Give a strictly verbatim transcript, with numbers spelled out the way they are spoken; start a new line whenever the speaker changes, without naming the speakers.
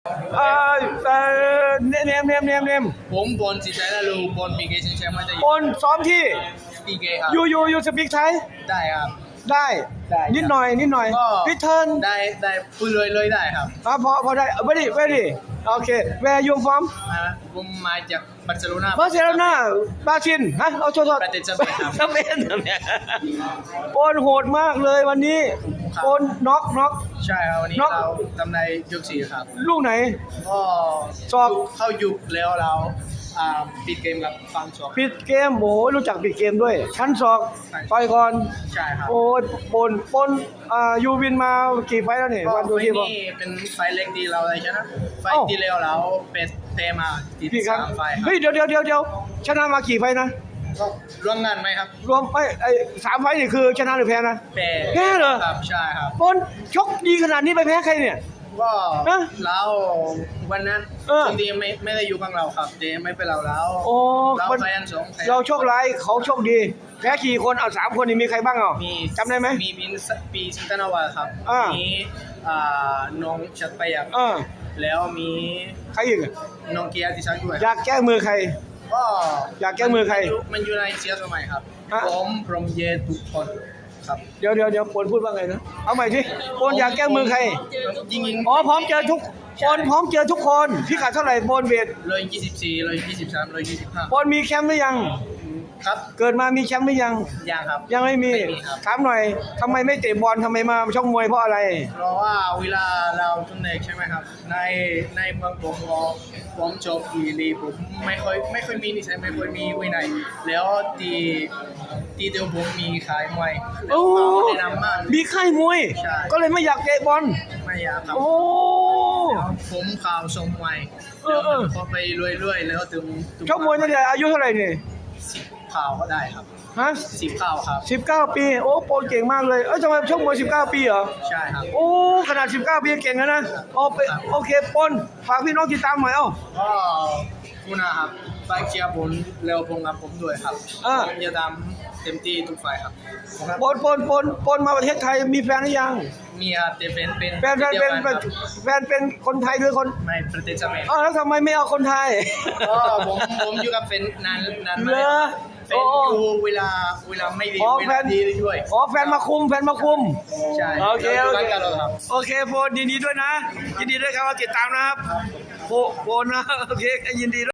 เอ่อเอ่อเนมเนมเนมเนมเนม
ผมบอลจิตใจนะลูกบอลปีเกชิงแชมป์มาจะ
คนซ้อมที่
ปีเกครับ
ยูยูยูสปีกไทย
ได้ครับ
ได้
ได้
นิดหน่อยนิดหน่อย
ก็
พิเทิร์น
ได้ได้พูดเลยเลยได้ครับ
อ่ะพอพอได้ very very โอเค where you from
อ่าผมมาจากบาร์เซโลนา
บาร์เซโลนาบาชินฮะเอาโทษโทษ
ประเทศสเปนครับ
สเปนเนี่ยโอนโหดมากเลยวันนี้
ครับ
โอนน็อกน็อก
ใช่ครับวันนี้
น็อก
เราทำในยกสี่ครับ
ลูกไหน
ก็
สอบ
เข้ายุคแล้วเราอ่าปิดเกมกับฟังสอง
ปิดเกมโอ้ยรู้จักปิดเกมด้วย ชั้นศอก
ใช่
ต่อยก่อน
ใช่ครับ
โอ้ยปนปนอ่ายูวินมากี่ไฟล์แล้วเนี่ย
ก็
วันดู
ไฟ
ที่
ล์
บอก
นี้เป็นไฟล์เล็กดีเราเลยชนะไฟ
เอ้า
ล์ที่แล้วเราเป็นเตะมาติด
กี่ครั้ง
สามไฟล์ครั
เฮ้ย
บ
เดี๋ยวเดี๋ยวเดี๋ยวเดี๋ยวชนะมากี่ไฟล์นะ
ก็ร่วมงานไหมครับ
รวมไอ้ไอ้สามไฟล์นี่คือชนะหรือแพ้นะ
แพ้
แพ้เหรอ
ครับใช่ครับ
ปนชกดีขนาดนี้ไปแพ้ใครเนี่ย
ก็
ฮะ
เราวันนั้น
เออ
จริงๆไม่ไม่ได้อยู่ข้างเราครับเดไม่เป็นเราแล้ว
โอ้
เรา
มัน
แฟนสองแฟน
เราโชคร้ายเขาโชคดี แพ้กี่คนเอาสามคนนี่มีใครบ้างอ่ะ
มี
จำได้ไหม
มีปีนปีสิงตนาวาครับ
อ่า
มีอ่าน้องชัดไปยัก
เออ
แล้วมี
ใครอีกอะ
น้องเกียรติศักดิ์ด้วย
อยากแก้มือใคร
ก็
อยากแก้มือใคร
นยู่มันอยู่ในเชียร์สมัยครับ
ฮะ
ผมพรหมเยทุกคนครับ
เดี๋ยวเดี๋ยวเดี๋ยวปนพูดว่าไงนะเอาใหม่สิปนอยากแก้มือใคร
ยิงยิง
อ๋อพร้อมเจอทุกปนพร้อมเจอทุกคนพิกัดเท่าไหร่ปนเวท
เลยยี่สิบสี่เลยยี่สิบสามเลยยี่สิบห้า
ปนมีแชมป์หรือยัง
ครับ
เกิดมามีแชมป์หรือยัง
ยังครับ
ยังไม่มี
ไม่มีครับ
ถามหน่อยทำไมไม่เตะบอลทำไมมาชกมวยเพราะอะไร
เพราะว่าเวลาเราทุนเด็กใช่ไหมครับ ในในเมืองผมก็ผมจบอีลีผมไม่ค่อยไม่ค่อยมีนิสัยไม่ค่อยมีวินัยแล้วตีตีเดียวผมมีขายมวยแล้
โอ้
วเขาแนะนำมาก
มีค่ายมวย
ใช่
ก็เลยไม่อยากเตะบอล
ไม่อยากครับ
โอ้
ผมข่าวชมมวย
เออเออ
พอไปเรื่อยๆแล้วถึงถึง
ชกมวยตั้งแต่อายุเท่าไหร่เนี่ย
สิบข่าวก็ได้ครับ
ฮะ
สิบข่าวครับ
สิบเก้าปีโอ้โปรเก่งมากเลยเอ้ยทำไมชกมวยสิบเก้าปีเหรอ
ใช่ครับ
โอ้ขนาดสิบเก้าปีเก่งแล้วนะโอเคโอเคปนฝากพี่น้องติดตามหน่อยเอ้า
ก็คุณนะครับไฟเชียร์ผมเร็วผมกับผมด้วยครับ
เออ
ผมจะทำเต็มที่ทุกไฟครับ
ปนปนปนปนมาประเทศไทยมีแฟนหรือยัง
มีครับแต่เป็นเป็น
แฟนแฟนเป็น
ดียวกัครับ
แฟนเป็นคนไทยหรือคน
ในประเทศสเปน
อ้าวแล้วทำไมไม่เอาคนไทย
ก็ผมผมอยู่กับแฟนนานนานมา
เหรอ
แฟนอยู่เวลาเวลาไม่ดี
อ๋อ
เว
แฟ
ลาน ดีด้วย
อ๋อแฟนมาคุมแฟนมาคุม
ใช่
โอเค
รา
โอ
อยู่
เค
กันตลอดครับ
โอเคโฟนยินดีด้วยนะ ยินดีด้วยครับว่าติดตามนะครับโฟโฟนนะโอเคยินดีด้วย